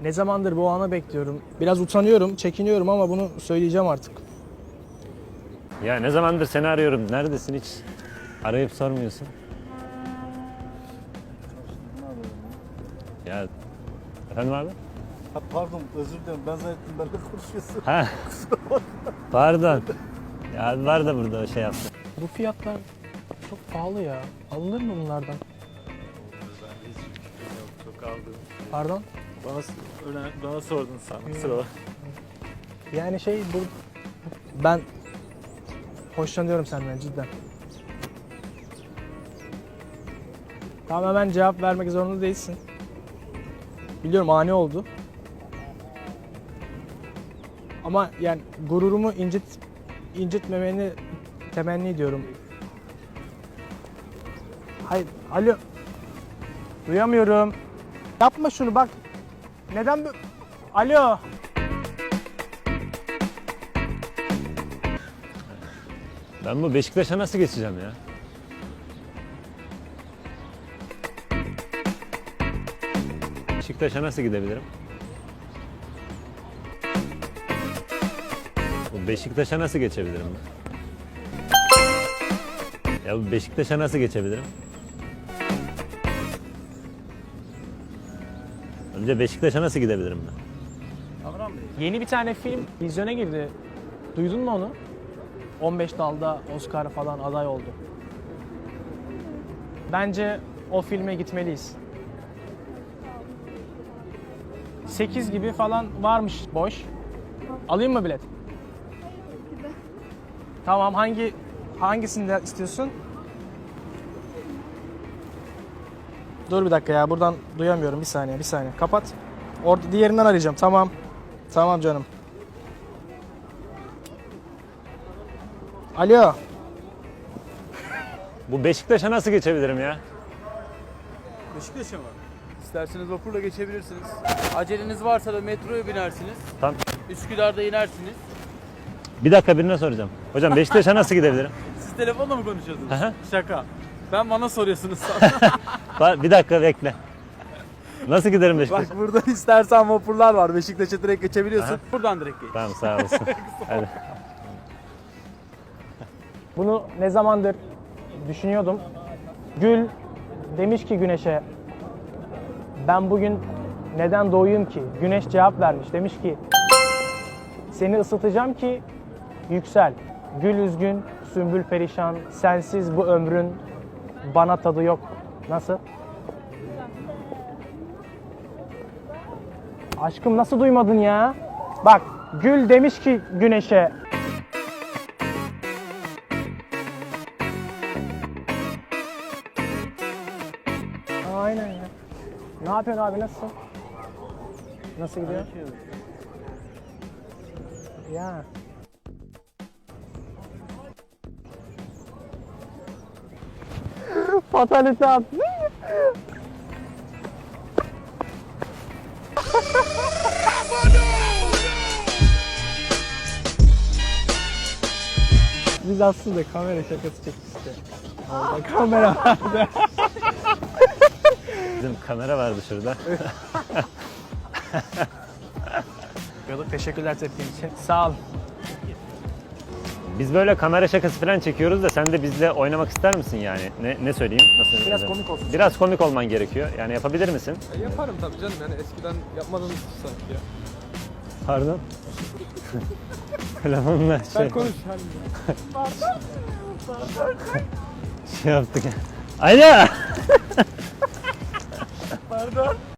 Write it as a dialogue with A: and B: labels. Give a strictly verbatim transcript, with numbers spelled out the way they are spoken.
A: Ne zamandır bu anı bekliyorum. Biraz utanıyorum, çekiniyorum ama bunu söyleyeceğim artık.
B: Ya ne zamandır seni arıyorum. Neredesin hiç? Arayıp sormuyorsun. Ya efendim abi?
C: Ha, pardon, özür dilerim. Ben zannettim benimle konuşuyorsun.
B: Ha. Pardon. Ya abi var da burada şey yaptı.
A: Bu fiyatlar çok pahalı ya. Alınır mı bunlardan?
C: Ben hiç fikrim yok. Çok aldım.
A: Pardon?
C: Bana, öne, bana sordun sen. Kusura bakma.
A: Yani şey bu... Ben hoşlanıyorum senden cidden. Tamam, hemen cevap vermek zorunda değilsin. Biliyorum ani oldu. Ama yani gururumu incit incitmemeni temenni ediyorum. Hayır, alo. Duyamıyorum. Yapma şunu bak. Neden bu? Alo.
B: Ben bu Beşiktaş'a nasıl geçeceğim ya? Beşiktaş'a nasıl gidebilirim? Bu Beşiktaş'a nasıl geçebilirim ben? Ya bu Beşiktaş'a nasıl geçebilirim? Önce Beşiktaş'a nasıl gidebilirim ben?
A: Yeni bir tane film vizyona girdi. Duydun mu onu? on beş dalda Oscar falan aday oldu. Bence o filme gitmeliyiz. sekiz gibi falan varmış boş. Alayım mı bilet? Tamam, hangi hangisini istiyorsun? Dur bir dakika ya, buradan duyamıyorum, bir saniye bir saniye. Kapat. Orada diğerinden arayacağım. Tamam. Tamam canım. Alo.
B: Bu Beşiktaş'a nasıl geçebilirim ya?
D: Beşiktaş'a mı? İsterseniz vapurla geçebilirsiniz. Aceleniz varsa da metroya binersiniz.
B: Tamam.
D: Üsküdar'da inersiniz.
B: Bir dakika, birine soracağım. Hocam Beşiktaş'a nasıl gidebilirim?
D: Siz telefonla mı konuşuyorsunuz?
B: Hı hı.
D: Şaka. Ben bana soruyorsunuz sana.
B: Ba- Bir dakika bekle. Nasıl giderim Beşiktaş'a?
D: Bak burada istersen vapurlar var. Beşiktaş'a direkt geçebiliyorsun.
B: Aha.
D: Buradan direkt geç.
B: Tamam, sağ olasın. Hadi.
A: Bunu ne zamandır düşünüyordum. Gül demiş ki Güneş'e, ben bugün neden doğuyum ki? Güneş cevap vermiş. Demiş ki, seni ısıtacağım ki yüksel. Gül üzgün, sümbül perişan, sensiz bu ömrün bana tadı yok. Nasıl? Aşkım nasıl duymadın ya? Bak, Gül demiş ki Güneş'e, aynen ya. Ne yapıyorsun abi, nasılsın? Nasıl gidiyor? Ya. Fatalite attı. Biz aslında kamera şakası çektik işte. Orada kamera vardı.
B: Bizim kamera vardı şurada.
A: Teşekkürler tepkin için. Sağ ol.
B: Biz böyle kamera şakası falan çekiyoruz da sen de bizle oynamak ister misin yani? Ne, ne söyleyeyim? Nasıl
A: Biraz
B: söyleyeyim?
A: komik olsun.
B: Biraz komik olman gerekiyor. Yani yapabilir misin?
E: E, yaparım tabii canım, yani eskiden yapmadığınız sanki ya.
B: Pardon. Telefonla şey,
E: Sen konuş hani.
B: şey yaptık. Alo.
A: Pardon.